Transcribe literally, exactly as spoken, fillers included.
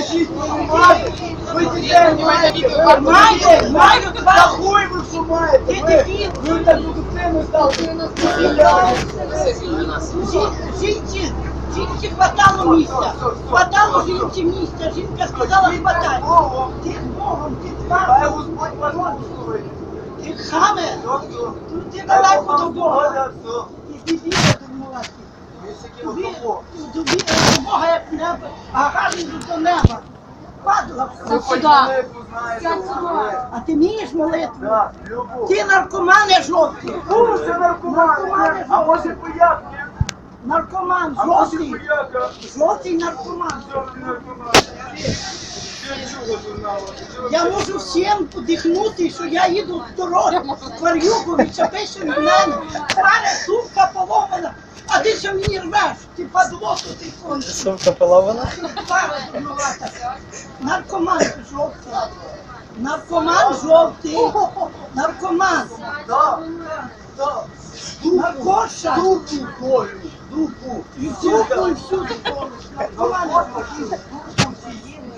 Скажіть, ви маєте? Ви дітей маєте? Ви Маєте, маєте, Та хуй ви що маєте? Ти Ви, дебіл. ви таку дитину стали. Жінці, жінці хватало місця. Хватало жінці місця. Жінка сказала, хватай. Ти Богом, ти Хай тваром. Господь вас благословить. Ти хаме. Все, все. Ти далеко до Бога. Доля, все. І дебіла думала. Ви такі Тобі, от того. тобі до Бога як небо, а гарний до неба. Падла. Ви хоч молитву знаєте. А ти вмієш молитву? Так, любов. Ти наркомане жовтий. Ну, це наркоман. А може пояк? Наркоман А може жовтий. пояка? Жовтий наркоман. Жовтий наркоман. Ще чого тут мало? Я можу всім подихнути, що я їду в дорогу, в Варюку, відчепися від мене. Паря, сумка поломана, а ти що мені рвеш? Ти падло тут і кончиш. Сумка полована? Пара дурнувата. Наркоман жовтий. Наркоман жовтий. Наркоман. Так, так. Наркоша. Дупу колю, дупу. І всюди, і всюди. Наркоман. Дупу всі їм.